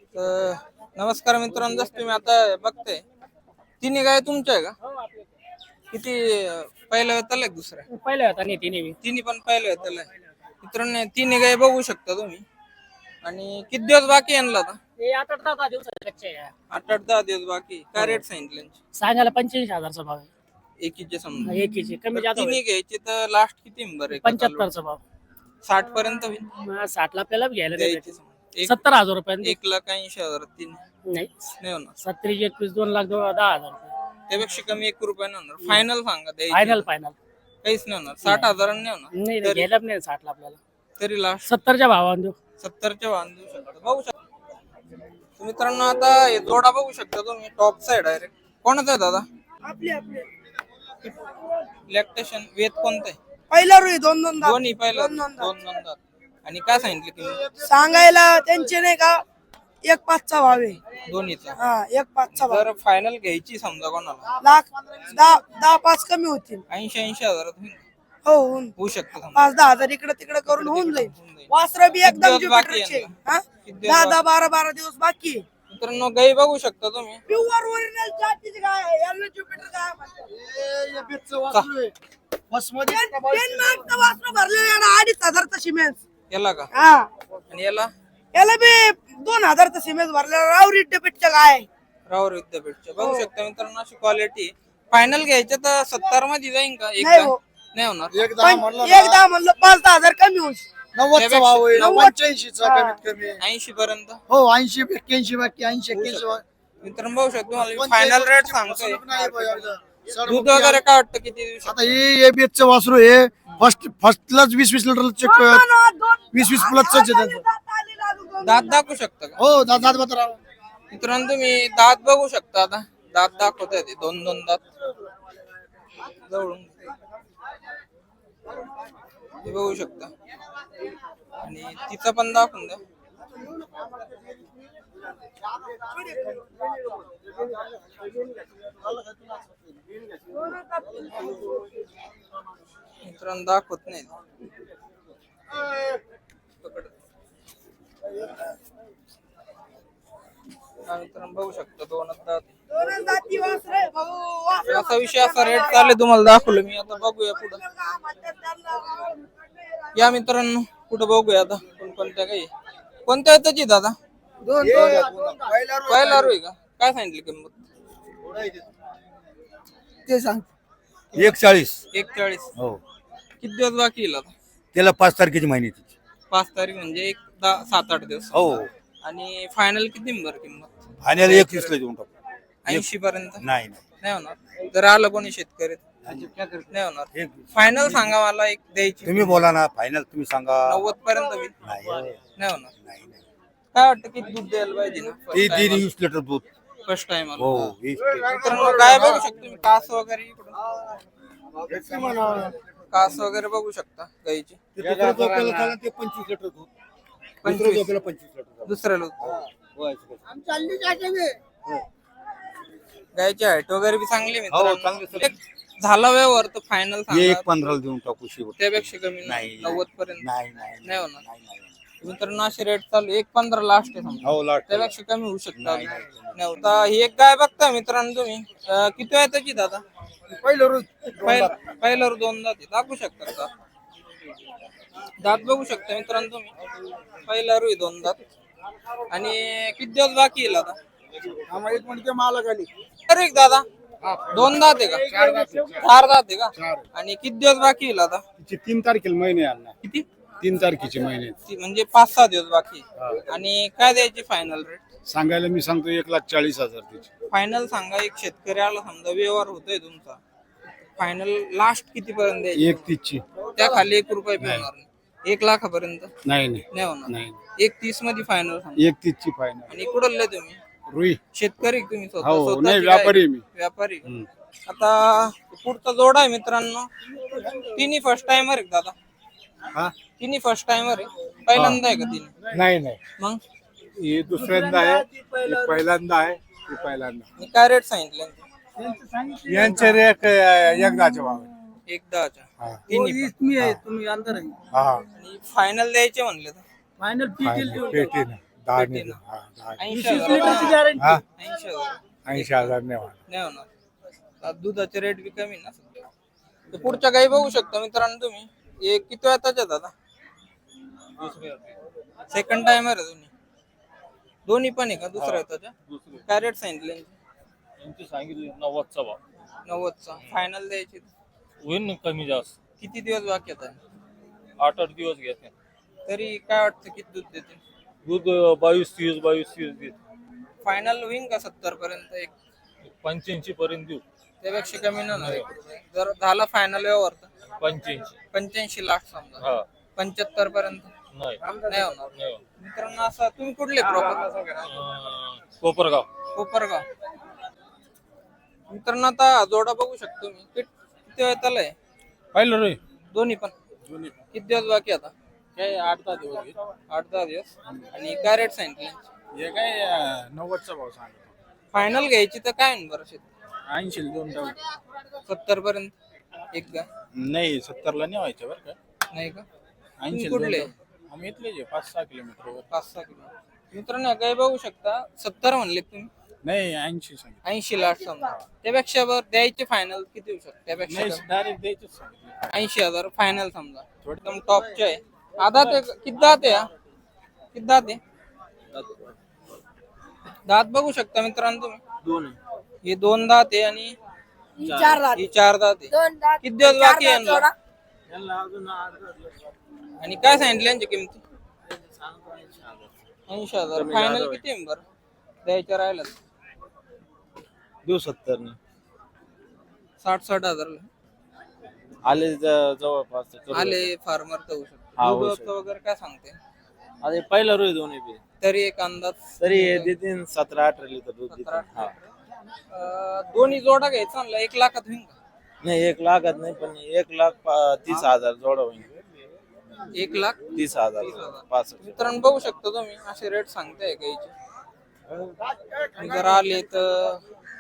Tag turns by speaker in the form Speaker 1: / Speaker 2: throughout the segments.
Speaker 1: तर नमस्कार मित्रांनो, जसं तुम्ही आता बघताय तिन्ही गाय तुमच्या आहे का? किती पहिल्या वेताला आहे दुसऱ्या?
Speaker 2: पहिल्या होता नाही तिने
Speaker 1: तिन्ही पण पहिल्या वेताला आहे. मित्रांनो तिन्ही गाय बघू शकता तुम्ही. आणि किती दिवस बाकी आणला आता?
Speaker 2: ते 8-10 दिवसाचे कच्चे आहे.
Speaker 1: 8-10 दिवस बाकी. काय रेट सांगितले यांचे?
Speaker 2: सांगायला 85,000चा भाव आहे.
Speaker 1: एकीचे समजा.
Speaker 2: एकीचे कमी
Speaker 1: तर
Speaker 2: जास्त
Speaker 1: तिन्ही घ्यायचे तर लास्ट किती बरं?
Speaker 2: 75चा भाव.
Speaker 1: 60 पर्यंत होईल
Speaker 2: 60 ला आपल्याला घ्यायला नाही
Speaker 1: द्यायचे
Speaker 2: भेटेल.
Speaker 1: समजा.
Speaker 2: 70,000 रुपये
Speaker 1: 1,80,000 तीन
Speaker 2: नाही.
Speaker 1: नाही होणार.
Speaker 2: 70 21 2,10,000 रुपये
Speaker 1: त्यापेक्षा कमी 1 रुपया नाही होणार. फायनल सांगा द्यायचे.
Speaker 2: फायनल फायनल
Speaker 1: काहीच नाही होणार. 60,000 नाही होणार.
Speaker 2: नाही नाही, घ्यायला नाही 60 ला आपल्याला.
Speaker 1: तरी लास्ट
Speaker 2: 70च्या भावाने देऊ.
Speaker 1: 70च्या वाहन देऊ शकता. बघू शकता मित्रांनो. आता हे जोडा बघू शकता तुम्ही. टॉप साइड डायरेक्ट कोणाचा आहे दादा?
Speaker 3: आपली आपली
Speaker 1: लॅक्टेशन वेद कोणतं आहे?
Speaker 3: पहिला रुई दोन दोन दात.
Speaker 1: दोन्ही पहिला
Speaker 3: दोन दोन दात.
Speaker 1: दोन दोन दात. आणि काय सांगितलं किंमत
Speaker 3: सांगायला त्यांचे नाही का 1,5चा भाव आहे.
Speaker 1: दोन्हीचा?
Speaker 3: हा 1,5चा भाव.
Speaker 1: जर फायनल घ्यायची समजा कोणाला
Speaker 3: लाख 10-5 कमी होतील.
Speaker 1: 80,000 होईल.
Speaker 3: हो होऊन
Speaker 1: होऊ शकतं समजा.
Speaker 3: 5-10 हजार इकडे तिकडे करून होऊन जाईल. वासर बी एकदम
Speaker 1: दिवस बाकी आहे
Speaker 3: ज्युपिटरचे.
Speaker 1: ना?
Speaker 3: हा
Speaker 1: किती दिवस
Speaker 3: 10-10 12-12 दिवस बाकी आहे.
Speaker 1: मित्रांनो गाई बघू शकता तुम्ही.
Speaker 3: प्युअर ओरिजिनल जातीची गाय आहे. याला ज्युपिटर गाय म्हणतात. डेन्मार्कचं वासर भरलेलं आहे ना, 2,500चा सिमेंट.
Speaker 1: याला का?
Speaker 3: हा
Speaker 1: आणि याला
Speaker 3: याला बी 2,000चा सिमेंट भरलेला रावरी डेबिटच्या गाय आहे.
Speaker 1: रावर विद्यापीठच्या बघू शकता मित्रांनो. अशी क्वालिटी. फायनल घ्यायचं तर 70 मध्ये जाईन का?
Speaker 3: नाही हो.
Speaker 1: नाही होणार.
Speaker 3: एकदा म्हणलं 5-10 हजार कमी होईल.
Speaker 4: 90चा भाव आहे. 85चा कमीत कमी.
Speaker 1: 80 पर्यंत.
Speaker 4: हो 80 81 बाकी 80 81.
Speaker 1: मित्रांनो बघू शकतो फायनल रेट सांगतोय.
Speaker 4: नाही बाई,
Speaker 1: दूध वगैरे काय वाटतं किती दिवस?
Speaker 4: आता हे एबीएच वासरू आहे. फर्स्टलाच 20-20 लिटर चेक 20-20 प्लसच आहे त्यांचं.
Speaker 1: दात दाखवू शकता का?
Speaker 4: हो दादा बता.
Speaker 1: मित्रांनो तुम्ही दात बघू शकता. आता दात दाखवत आहे ते दोन दोन दात जवळून हे बघू शकता. आणि तिचं पण दाखवून द्या. मित्रांनो दाखवत नाही. मित्रांनो बघू शकता दोनच दात. असा विषय असा रेट चालले तुम्हाला दाखवलं मी. आता बघूया पुढं. या मित्रांनो पुढे बघूया आता कोणत्या काही कोणत्या येताची दादा? पहिला रोय का? काय सांगितली किंमत?
Speaker 3: ते सांग
Speaker 4: 41.
Speaker 1: 41.
Speaker 4: हो
Speaker 1: किती दिवस बाकी येईल आता?
Speaker 4: त्याला 5 तारखेची महिन्याची.
Speaker 1: 5 तारीख म्हणजे 7-8 दिवस.
Speaker 4: हो
Speaker 1: आणि फायनल किती बरं किंमत?
Speaker 4: फायनल 21 ला देऊन टाकू.
Speaker 1: 80 पर्यंत
Speaker 4: नाही
Speaker 1: नाही होणार. जर आलं कोणी शेतकरी नाही होणार. फायनल सांगा मला एक द्यायची.
Speaker 4: तुम्ही बोला ना. फायनल तुम्ही सांगा.
Speaker 1: 90 पर्यंत होईल.
Speaker 4: नाही
Speaker 1: नाही होणार.
Speaker 4: नाही.
Speaker 1: काय वाटतं किती दूध द्यायला पाहिजे ना?
Speaker 4: ती 20 लिटर दूध.
Speaker 1: फर्स्ट टाइम
Speaker 4: हो 20 लिटर.
Speaker 1: मित्रांनो काय बघू शकतो तुम्ही. कास वगैरे इकडून कास वगैरे बघू शकता गाईची.
Speaker 4: ते 25 लिटर दूध.
Speaker 1: 25.
Speaker 4: 25 लिटर.
Speaker 1: दुसऱ्याला गायची हाईट वगैरे बी चांगली मित्रांनो.
Speaker 4: चांगली.
Speaker 1: एक झाला व्यवहार तर फायनल
Speaker 4: हे
Speaker 1: सांगा.
Speaker 4: 1.15 देऊन टाकू शेवट.
Speaker 1: त्यापेक्षा कमी
Speaker 4: नाही.
Speaker 1: 90 पर्यंत
Speaker 4: नाही
Speaker 1: नाही होणार. मित्रांनो असे रेट चालू 1.15 लास्ट आहे समजा.
Speaker 4: हो लाट.
Speaker 1: त्यापेक्षा कमी होऊ शकता. नाही होता. ही एक गाय बघता मित्रांनो तुम्ही. किती आहे त्याची दादा? पहिल्यावर 2 दात दाखवू शकता का? दात बघू शकता मित्रांनो तुम्ही. पहिल्यावर 2 दात. आणि किती दिवस बाकी येईल आता? अरे दादा 2 दात आहे का? 4 दात आहे का? आणि किती दिवस बाकी येईल आता?
Speaker 5: 3 तारखेला महिने आणला.
Speaker 1: किती?
Speaker 5: 3 तारखेचे महिने
Speaker 1: म्हणजे 5-6 दिवस बाकी. आणि काय द्यायची फायनल रेट?
Speaker 5: सांगायला मी सांगतो 1,40,000 त्याची.
Speaker 1: फायनल सांगा. एक शेतकरी आला समजा व्यवहार होतोय तुमचा. फायनल लास्ट किती पर्यंत द्यायची?
Speaker 5: 1,30 ची.
Speaker 1: त्या खाली 1 रुपया बी होणार नाही. 1 लाखापर्यंत
Speaker 5: नाही
Speaker 1: नाही होणार.
Speaker 5: नाही.
Speaker 1: 1.30 मध्ये फायनल सांगा.
Speaker 5: 1,30 ची फायनल.
Speaker 1: आणि कुठले तुम्ही?
Speaker 5: रुई.
Speaker 1: शेतकरी तुम्ही स्वतः?
Speaker 5: हो
Speaker 1: स्वतःची
Speaker 5: नाही
Speaker 1: गाय?
Speaker 5: व्यापारी मी.
Speaker 1: व्यापारी. आता पुढचा जोडा आहे मित्रांनो. तिन्ही फर्स्ट टाइमर आहे दादा?
Speaker 5: हा
Speaker 1: तिन्ही फर्स्ट टाइमर आहे? पहिल्यांदा आहे का तिन्ही?
Speaker 5: नाही नाही.
Speaker 1: मग
Speaker 5: हे दुसऱ्यांदा आहे. हे पहिल्यांदा आहे. हे पहिल्यांदा.
Speaker 1: मी काय रेट सांगितले?
Speaker 5: यांचे रेट एकदाचे भाव.
Speaker 1: एकदाच्या
Speaker 5: हा.
Speaker 1: तिन्ही पण.
Speaker 3: मी आहे तुम्ही अंदर आहे.
Speaker 5: हा
Speaker 1: आणि फायनल द्यायचे म्हणले तर
Speaker 3: फायनल
Speaker 5: पेटी ना दहा
Speaker 1: पेटी
Speaker 5: नाही
Speaker 1: ना.
Speaker 5: हा, 10.
Speaker 1: 80,000
Speaker 5: हा
Speaker 1: 80,000
Speaker 5: 80,000 नाही होणार.
Speaker 1: नाही होणार. आता दुधाचे रेट बी कमी ना सध्या. तर पुढच्या गाई बघू शकता मित्रांनो तुम्ही. हे किती वेळाच्या दादा? सेकंड टाइमर आहे दोन्ही पण आहे का दुसऱ्या त्याच्या? काय रेट सांगितले
Speaker 6: यांची सांगितली 90चा भाव
Speaker 1: 90चा फायनल द्यायची?
Speaker 6: होईल ना कमी जास्त.
Speaker 1: किती दिवस बाकी आता?
Speaker 6: 8-8 दिवस घेते
Speaker 1: तरी काय वाटतं किती दूध देते?
Speaker 6: दूध 22-30 देते.
Speaker 1: फायनल होईन का 70 पर्यंत? एक
Speaker 6: 85 पर्यंत देऊ.
Speaker 1: त्यापेक्षा कमी नाही होणार 1 रुपये. जर झाला फायनल व्यवहार तर 85 लाख समजा.
Speaker 6: हा
Speaker 1: 75 पर्यंत
Speaker 6: नाही
Speaker 1: नाही होणार.
Speaker 6: नाही.
Speaker 1: मित्रांनो असं तुम्ही कुठले प्रॉपर?
Speaker 6: कोपरगाव.
Speaker 1: कोपरगाव. मित्रांनो आता जोडा बघू शकतो मी. किती वेळ त्याला आहे?
Speaker 6: पाहिलं रे
Speaker 1: दोन्ही पण किती दिवस बाकी आता?
Speaker 6: काय 8-10 दिवस घेत.
Speaker 1: 8-10 दिवस. आणि काय रेट सांगितले?
Speaker 6: हे काय 90चा भाव सांगितलं.
Speaker 1: फायनल घ्यायची तर काय बरं
Speaker 6: 80 2 टाक.
Speaker 1: 70 पर्यंत एक का?
Speaker 6: नाही 70ला नाही व्हायचं बरं का.
Speaker 1: नाही का?
Speaker 6: 80
Speaker 1: तुम्ही कुठले?
Speaker 6: आम्ही इथले जे 5-6 किलोमीटर
Speaker 1: 5-6 किलो. मित्रांनो काय बघू शकता 70 म्हणले तुम्ही.
Speaker 6: नाही 80 सांगितलं.
Speaker 1: 80 लाख समजा. त्यापेक्षा वर द्यायचे फायनल किती होऊ शकते? त्यापेक्षा
Speaker 6: नाही डायरेक्ट द्यायचंच सांगितलं.
Speaker 1: 80,000 फायनल समजा. एकदम टॉपचे आहे. आधा ते किती दात आहे हा? किती दात आहे? दात बघू शकता मित्रांनो तुम्ही.
Speaker 6: दोन
Speaker 1: हे 2 दात आहे आणि
Speaker 3: 4 लाख
Speaker 1: ही 4 दात आहे.
Speaker 3: 2 लाख
Speaker 1: किती दिवस बाकी आहे यांना?
Speaker 6: यांना अजून 8
Speaker 1: आणि काय सांगितलं यांची किमती? 80,000 फायनल किती आहे बरं द्यायचं राहिलं?
Speaker 6: देऊ 70 ने
Speaker 1: 60-60
Speaker 6: आले जवळपास
Speaker 1: आले फार्मर तर होऊ
Speaker 6: हा, होऊ
Speaker 1: शकतो.
Speaker 6: शकतो.
Speaker 1: दूध वगैरे काय सांगते?
Speaker 6: अरे पहिला रोज दोन्ही बी
Speaker 1: तरी एक अंदाज
Speaker 6: तरी हे देतील 17-18 लिटर दूध देतील.
Speaker 1: 17-18.
Speaker 6: हा
Speaker 1: दोन्ही जोडा घ्यायचा म्हणलं 1 लाखात होईल का?
Speaker 6: नाही 1 लाखात नाही पण 1,30,000 जोडा होईल.
Speaker 1: 1,30,000.
Speaker 6: 30,000
Speaker 1: मित्रांनो बघू शकता तुम्ही असे रेट सांगताय गाईचे. जर आले तर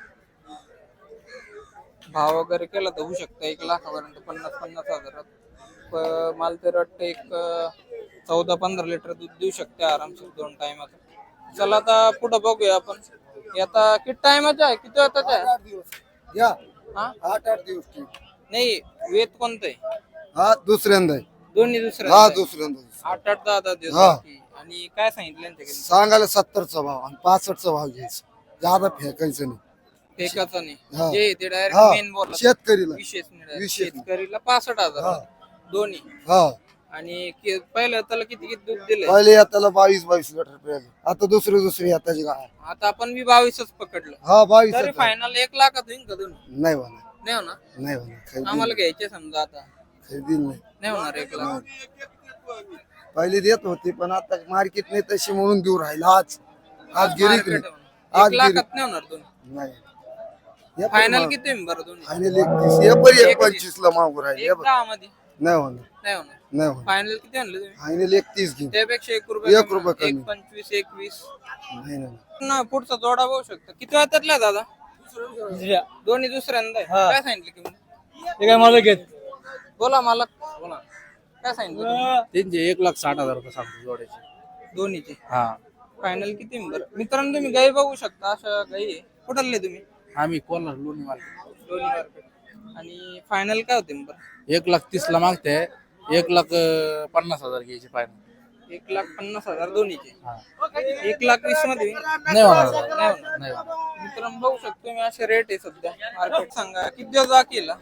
Speaker 1: भाव वगैरे केला तर होऊ शकतं 1 लाखापर्यंत 50-50 हजारात. मला तर वाटतं एक 14-15 लिटर दूध देऊ शकते आरामशीर 2 टाइमात. चला आता पुढे बघूया आपण. हे आता किती टायमाचा आहे? किती वेळाचा आहे?
Speaker 4: या
Speaker 1: हा
Speaker 4: 8-8 दिवस ठीक.
Speaker 1: नाही वेत कोणतं आहे?
Speaker 4: हा दुसऱ्यांदा आहे.
Speaker 1: दोन्ही दुसरे
Speaker 4: हा दुसऱ्यांदा
Speaker 1: 8-8 10 दिवस
Speaker 4: हा.
Speaker 1: बाकी. आणि काय सांगितलं त्यांच्याकडे?
Speaker 4: सांगायला 70चा भाव आणि 65चा भाव घ्यायचा. जादा फेकायचं नाही.
Speaker 1: फेकाचं
Speaker 4: हा.
Speaker 1: नाही जे ते डायरेक्ट
Speaker 4: हा
Speaker 1: मेन बोला
Speaker 4: शेतकरीला
Speaker 1: विशेष नाही direct.
Speaker 4: विशेष नाही.
Speaker 1: शेतकरीला 65,000
Speaker 4: हा.
Speaker 1: दोन्ही.
Speaker 4: हा
Speaker 1: आणि पहिलं त्याला किती किती दूध दिलंय?
Speaker 4: पहिले याताला 22 लिटर प्यायला. आता दुसरी याताची गाय.
Speaker 1: आता आपण बी 22च पकडलं.
Speaker 4: हा 22
Speaker 1: तरी फायनल 1 लाखात होईल का दोन्ही?
Speaker 4: नाही होणार
Speaker 1: नाही होणार.
Speaker 4: नाही होणार खरेदी
Speaker 1: आम्हाला घ्यायचे समजा आता
Speaker 4: खरेदी नाही.
Speaker 1: नाही होणार 1 लाख.
Speaker 4: पहिले देत होती पण आता मार्केट नाही तशी म्हणून देऊ राहिला. आज गिरीक
Speaker 1: Market आहे
Speaker 4: नाही.
Speaker 1: म्हणून.
Speaker 4: आज
Speaker 1: 1 लाखात नाही होणार दोन्ही.
Speaker 4: नाही
Speaker 1: फायनल किती होईल बरं दोन्ही?
Speaker 4: फायनल 31 हे पण 1.25 ला मागू राहिले.
Speaker 1: 1,10 मध्ये
Speaker 4: नाही होणार
Speaker 1: नाही होणार.
Speaker 4: नाही होणार
Speaker 1: फायनल किती आणलं तुम्ही?
Speaker 4: फायनल 31 घेऊ.
Speaker 1: त्यापेक्षा 1 रुपये
Speaker 4: 1 रुपये कमी.
Speaker 1: 1.25 21.
Speaker 4: नाही नाही
Speaker 1: ना पुढचा जोडा बघू शकता. किती वेळातला दादा? दोन्ही दुसऱ्यांदा आहे. काय सांगितलं किंमत?
Speaker 2: ते काय मला घेत
Speaker 1: बोला मला बोला काय सांगितलं तुम्ही?
Speaker 6: त्यांचे 1,60,000 रुपये सांगतो जोड्याचे.
Speaker 1: दोन्हीचे
Speaker 6: हा
Speaker 1: फायनल किती बरं? मित्रांनो तुम्ही गाई बघू शकता अशा गाई आहे. कुठले तुम्ही?
Speaker 6: आम्ही कोल्हार लोणी मार्केट
Speaker 1: दोन्ही मार्केट. आणि फायनल काय होते बरं?
Speaker 6: 1,30,000 ला मागते 1,50,000 घ्यायचे फायनल.
Speaker 1: 1,50,000 दोन्हीचे. 1,20,000 मध्ये होईल?
Speaker 6: नाही होणार
Speaker 1: नाही होणार.
Speaker 6: नाही होणार.
Speaker 1: मित्रांनो बघू शकतो मी असे रेट आहे सध्या मार्केट. सांगा किती दिवस बाकी आहे?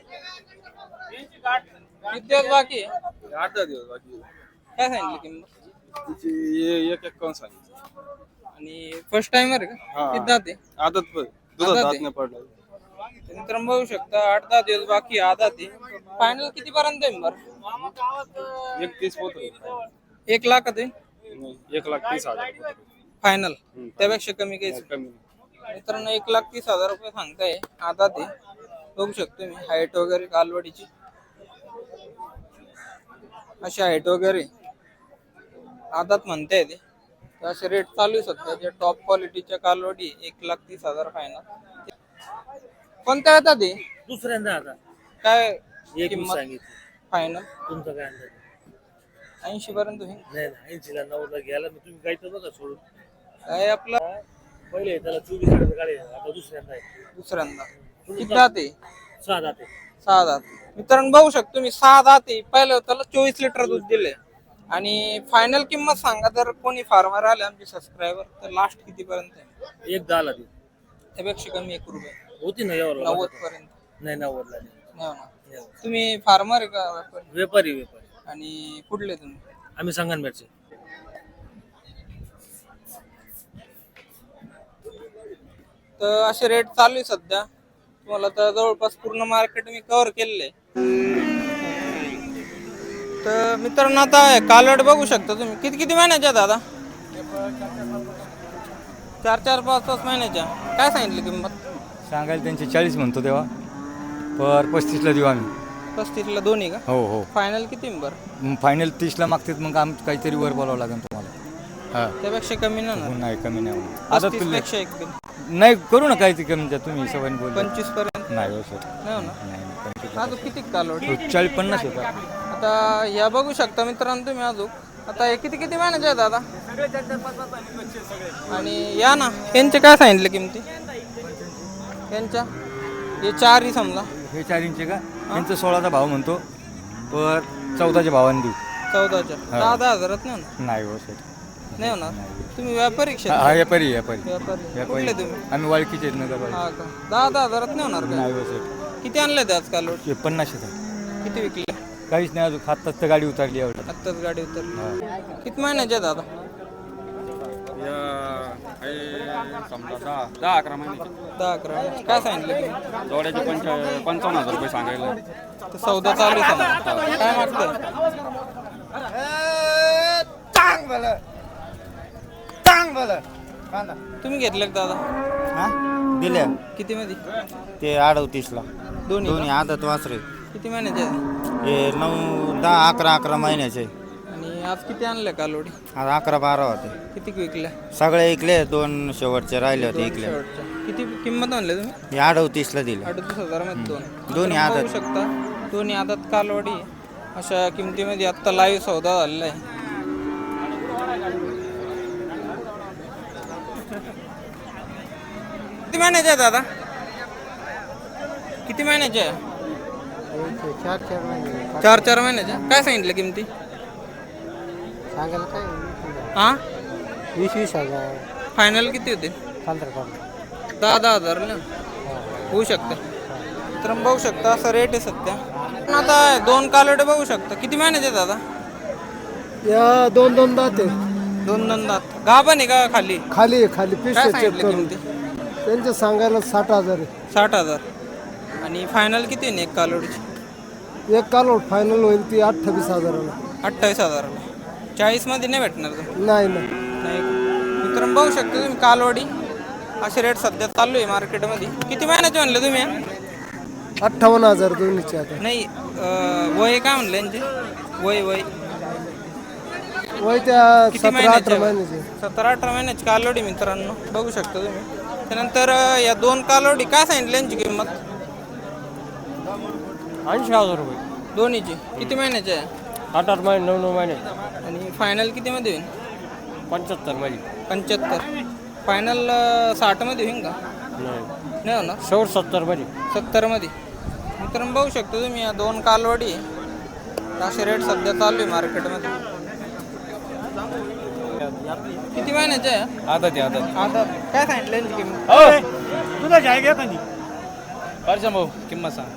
Speaker 1: किती दिवस बाकी आहे?
Speaker 5: 8 दिवस बाकी.
Speaker 1: काय सांगितलं किंमत?
Speaker 5: 1,51 सांगितलं.
Speaker 1: आणि फर्स्ट टाइमर आहे का?
Speaker 5: हा.
Speaker 1: किती दात आहे?
Speaker 5: आदत पण
Speaker 1: दुधात दात
Speaker 5: नाही पडलं.
Speaker 1: तर मित्रांनो बघू शकता 8-10 दिवस बाकी आहे, आधा ते फायनल किती पर्यंत आहे बरं?
Speaker 5: 31 होत
Speaker 1: 1 लाखात आहे
Speaker 5: 1,30,000
Speaker 1: फायनल. त्यापेक्षा कमी काही
Speaker 5: कमी.
Speaker 1: मित्रांनो 1,30,000 रुपये सांगताय. आधा ते बघू शकतो मी हाईट वगैरे कालवडीची अशी हाईट वगैरे आधात म्हणताय ते. तर असे रेट चालू आहे सध्या. जे टॉप क्वालिटीच्या कालवडी 1,30,000 फायनल. कोणत्या येतात ते?
Speaker 2: दुसऱ्यांदा आता
Speaker 1: काय
Speaker 2: एक
Speaker 1: किंमत
Speaker 2: सांगितली
Speaker 1: फायनल?
Speaker 2: तुमचं काय अंदाज?
Speaker 1: 80 पर्यंत होईल.
Speaker 7: नाही 80ला 90ला घ्यायला मी तुम्ही काही तर बघा सोडून
Speaker 1: काय आपला
Speaker 7: पहिले त्याला 24 लिटर गाडी आहे, आता दुसऱ्यांदा आहे
Speaker 1: दुसऱ्यांदा किती दाते
Speaker 7: 6 जाते
Speaker 1: 6 दात. मित्रांनो बघू शकतो मी 6 दाते पहिलं त्याला 24 लिटर दूध दिले. आणि फायनल किंमत सांगा जर कोणी फार्मर आले आमचे सबस्क्रायबर तर लास्ट किती पर्यंत आहे?
Speaker 7: 1 10ला ती
Speaker 1: त्यापेक्षा कमी 1 रुपये
Speaker 7: होती ना एवढं
Speaker 1: 90 पर्यंत
Speaker 7: नाही 90ला नाही.
Speaker 1: नाही होणार. तुम्ही फार्मर आहे का व्यापारी?
Speaker 7: व्यापारी
Speaker 1: आणि कुठले तुम्ही?
Speaker 7: आम्ही संगनमेरचे.
Speaker 1: तर असे रेट चालू आहे सध्या. तुम्हाला तर जवळपास पूर्ण मार्केट मी कव्हर केलेलं आहे. तर मित्रांनो आता कालवड बघू शकता तुम्ही. किती किती महिन्याच्या दादा? 4-5 महिन्याच्या. काय सांगितली किंमत?
Speaker 8: सांगायला त्यांचे 40 म्हणतो तेव्हा, पर 35ला देऊ आम्ही.
Speaker 1: 35ला दोन्ही का?
Speaker 8: हो हो.
Speaker 1: फायनल किती बरं?
Speaker 8: फायनल 30ला मागतात, मग आम काहीतरी वर बोलावं लागेल तुम्हाला. हा
Speaker 1: त्यापेक्षा कमी नाही होणार.
Speaker 8: नाही कमी नाही होणार. आता
Speaker 1: 35
Speaker 8: तुला
Speaker 1: पेक्षा एक कमी.
Speaker 8: नाही करू ना काहीतरी कमी द्या तुम्ही सवयीने बोल.
Speaker 1: 25 पर्यंत
Speaker 8: नाही हो सर,
Speaker 1: नाही होणार.
Speaker 8: नाही 25.
Speaker 1: अजून किती कालवड?
Speaker 8: 40-50 होता.
Speaker 1: आता या बघू शकता मित्रांनो तुम्ही अजून. आता हे किती किती महिन्याचे आहे दादा? आणि या ना यांचे काय सांगितले किमती? यांच्या हे 4 समजा.
Speaker 8: हे 4 इंच का? यांचं 16चा भाव म्हणतो, पर 14च्या भावाने देऊ.
Speaker 1: 14च्या 10 हजारात नाही होणार.
Speaker 8: नाही हो सर,
Speaker 1: नाही होणार. तुम्ही व्यापारी
Speaker 8: हा
Speaker 1: क्षेत्र?
Speaker 8: व्यापारी व्यापारी
Speaker 1: व्यापारी कुठले तुम्ही?
Speaker 8: आम्ही वाळकीचे आहेत नगर
Speaker 1: हा का? 10 हजारात नाही होणार का?
Speaker 8: नाही हो सर,
Speaker 1: किती आणले ते आज कालवड?
Speaker 8: 50 आहे.
Speaker 1: किती विकले?
Speaker 8: काहीच नाही अजून, आत्ताच तर गाडी उतरली एवढं.
Speaker 1: आत्ताच गाडी उतरली. किती महिन्याचे दादा?
Speaker 9: 10-11 महिन्याचे.
Speaker 1: 10-11 महिन्याचे. काय सांगितले तुम्ही?
Speaker 9: जोड्याचे 55,000 रुपये सांगायला.
Speaker 1: तर सौदा चालू आहे समजा. काय मागतंय? तुम्ही घेतले का दादा?
Speaker 6: दिल्या
Speaker 1: किती मध्ये?
Speaker 6: ते 38ला
Speaker 1: दोन्ही
Speaker 6: दोन्ही
Speaker 1: का?
Speaker 6: आदत वासरे.
Speaker 1: किती महिन्याचे आहेत?
Speaker 6: हे 9, 10, 11 महिन्याचे.
Speaker 1: आणि आज किती आणले कालवडी?
Speaker 6: आज 11-12 होते.
Speaker 1: किती विकल्या?
Speaker 6: सगळे ऐकले, 2 शेवटचे राहिले होते ऐकले.
Speaker 1: शेवटच्या. किती किंमत आणले तुम्ही?
Speaker 6: हे 38ला दिले.
Speaker 1: 38,000 मध्ये दोन.
Speaker 6: दोन्ही
Speaker 1: तर बघू
Speaker 6: आदत.
Speaker 1: शकता दोन्ही आदत कालवडी अशा किमतीमध्ये आत्ता लाईव्ह सौदा झालेला आहे. किती महिन्याचे आहे दादा? किती महिन्याचे आहे? 4-4 महिन्याच्या. काय सांगितलं किमती?
Speaker 2: सांगायला काय
Speaker 1: हा
Speaker 2: 20,000
Speaker 1: फायनल किती होते?
Speaker 2: 15
Speaker 1: 10 हजार ना होऊ शकतं. तर बघू शकता असं रेट आहे सध्या. पण आता 2 कालवडे बघू शकता. किती महिन्याचे आहेत दादा?
Speaker 4: या 2 दात आहे.
Speaker 1: 2 दात. गाभण आहे का खाली?
Speaker 4: खाली खाली पीस
Speaker 1: काय
Speaker 4: चेक
Speaker 1: सांगितलं
Speaker 4: करून
Speaker 1: किमती?
Speaker 4: त्यांचे सांगायला 60,000 आहे.
Speaker 1: 60,000. आणि फायनल किती आहे एक कालवडीची?
Speaker 4: एक कालोड फायनल होईल ती 28,000ला.
Speaker 1: 28,000ला. 40 मध्ये नाही भेटणार का?
Speaker 4: नाही नाही
Speaker 1: नाही. मित्रांनो बघू शकता तुम्ही कालवडी असे रेट सध्या चालू आहे मार्केटमध्ये. किती महिन्याचे म्हणले तुम्ही?
Speaker 4: 58,000 दोन्हीचे आता.
Speaker 1: नाही वय काय म्हणलं यांचे? वय
Speaker 4: वय त्या
Speaker 1: किती
Speaker 4: 17-18 महिन्याचे.
Speaker 1: 17-18 महिन्याची कालवडी मित्रांनो बघू शकता तुम्ही. त्यानंतर या 2 कालवडी काय सांगितली यांची किंमत?
Speaker 2: 80,000 रुपये.
Speaker 1: दोन्हीची. किती महिन्याची आहे?
Speaker 2: 8 महिने 9 महिने.
Speaker 1: आणि फायनल किती मध्ये होईल?
Speaker 2: 75 मध्ये.
Speaker 1: 75. फायनल 60 मध्ये होईल का? नाही होणार.
Speaker 2: शेवट 70 मध्ये.
Speaker 1: 70 मध्ये. मित्रांनो बघू शकतो तुम्ही या 2 कालवडी असे रेट सध्या चालू आहे मार्केटमध्ये. किती महिन्याचे आहे?
Speaker 9: आदत
Speaker 1: आता काय सांगितलं यांची किंमत?
Speaker 2: तुला जायगा कधी
Speaker 9: परशा भाऊ किंमत सांग.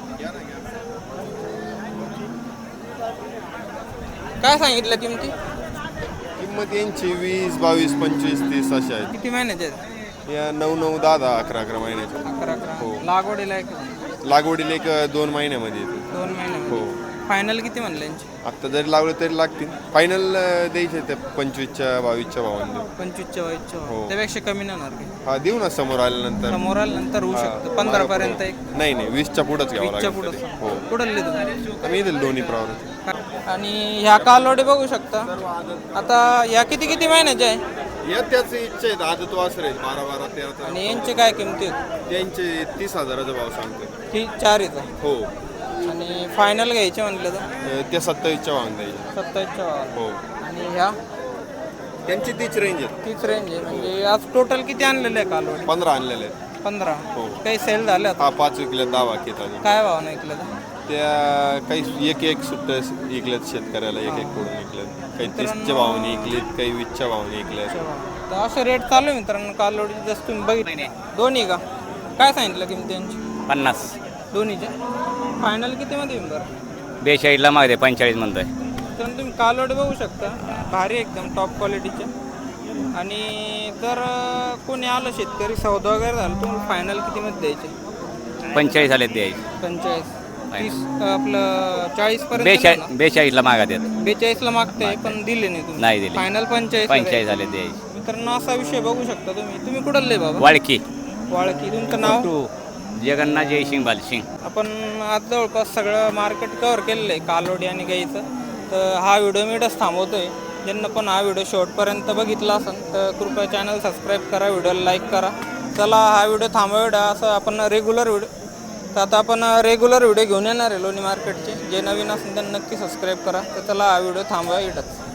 Speaker 1: काय सांगितलं किमती?
Speaker 10: किंमत यांची 20, 22, 25, 30 अशा आहेत.
Speaker 1: किती महिन्याचे आहेत?
Speaker 10: या 9, 9, 10, 10, 11 महिन्याच्या.
Speaker 1: 11.
Speaker 10: हो.
Speaker 1: लागवडीला
Speaker 10: लागवडीला एक 2 महिन्यामध्ये येते.
Speaker 1: 2 महिने.
Speaker 10: हो.
Speaker 1: फायनल किती म्हणलं यांची?
Speaker 10: आत्ता जरी लावलं तरी लागतील. फायनल द्यायचे ते 25च्या 22च्या भावाने देऊ.
Speaker 1: 25च्या वयाच्या.
Speaker 10: हो.
Speaker 1: त्यापेक्षा कमी नाही होणार की?
Speaker 10: हा देऊ ना समोर आल्यानंतर.
Speaker 1: समोर आल्यानंतर होऊ
Speaker 10: हा.
Speaker 1: शकतं 15 पर्यंत. एक
Speaker 10: नाही 20च्या पुढंच घ्यावं
Speaker 1: 20च्या
Speaker 10: लागेल
Speaker 1: पुढं.
Speaker 10: तरी. हो.
Speaker 1: कुठले तुम्ही?
Speaker 10: आम्ही येतील दोन्ही प्रवृत्ती.
Speaker 1: आणि ह्या कालवडी बघू शकता. आता या किती किती महिन्याच्या आहे?
Speaker 10: या त्याच इच्छा आहेत. आदत वासर आहेत 12, 12, 13.
Speaker 1: आणि यांची काय किमती आहेत?
Speaker 10: त्यांचे 30,000चा भाव सांगतो.
Speaker 1: ही 4 येतं.
Speaker 10: हो.
Speaker 1: आणि फायनल घ्यायचे म्हणलं तर
Speaker 10: ते 27च्या भावाने द्यायचे
Speaker 1: 27च्या भावाला.
Speaker 10: हो
Speaker 1: आणि ह्या
Speaker 10: त्यांची तीच रेंज आहे.
Speaker 1: तीच रेंज आहे. म्हणजे आज टोटल किती आणलेले आहे कालवडी?
Speaker 10: 15 आणलेले आहेत.
Speaker 1: 15.
Speaker 10: हो.
Speaker 1: काही सेल झाले आता?
Speaker 10: हा 5 विकल्यात, 10 बाकी आहेत अजून.
Speaker 1: काय भाव नाही ऐकलं तर?
Speaker 10: त्या काही एक सुट्ट विकल्यात शेतकऱ्याला, एक कडून विकल्यात. काही 30च्या भावाने विकलेत, काही 20च्या भावाने विकल्यात.
Speaker 1: तर असं रेट चालू आहे मित्रांनो कालवडी. जसं तुम्ही बघितले दोन्ही का काय सांगितलं किंमत त्यांची?
Speaker 2: 50.
Speaker 1: दोन्हीचे फायनल कितीमध्ये येईल बरं?
Speaker 2: 42ला मागते 45 म्हणतोय.
Speaker 1: तर तुम्ही कालवडी बघू शकता, भारी एकदम टॉप क्वालिटीचे. आणि जर कोणी आलं शेतकरी सौदा वगैरे झालं तुम्हाला फायनल कितीमध्ये द्यायचे?
Speaker 2: 45 आले द्यायचे.
Speaker 1: 45 30 आपलं 40 पर्यंत
Speaker 2: 42ला मागतात.
Speaker 1: 42ला मागते पण दिले नाही तुम्ही?
Speaker 2: नाही दिले.
Speaker 1: फायनल 45
Speaker 2: आले द्यायचे.
Speaker 1: मित्रांनो असा विषय बघू शकता तुम्ही कुठले बाबा?
Speaker 2: वाळकी
Speaker 1: वाळकी. तुमचं नाव?
Speaker 2: जगन्नाथ जयसिंग बालसिंग.
Speaker 1: आपण आज जवळपास सगळं मार्केट कव्हर केलेलं आहे कालवडी आणि गाईचं. तर हा व्हिडिओ मी इथंच थांबवतोय. ज्यांना पण हा व्हिडिओ शेवटपर्यंत बघितला असेल तर कृपया चॅनल सबस्क्राईब करा, व्हिडिओला लाईक करा. चला हा व्हिडिओ थांबवूया. असं आपण रेग्युलर व्हिडिओ तर आता आपण रेग्युलर व्हिडिओ घेऊन येणार आहे लोणी मार्केटचे. जे नवीन असेल त्यांना नक्की सबस्क्राईब करा. तर चला हा व्हिडिओ थांबवा इथंच.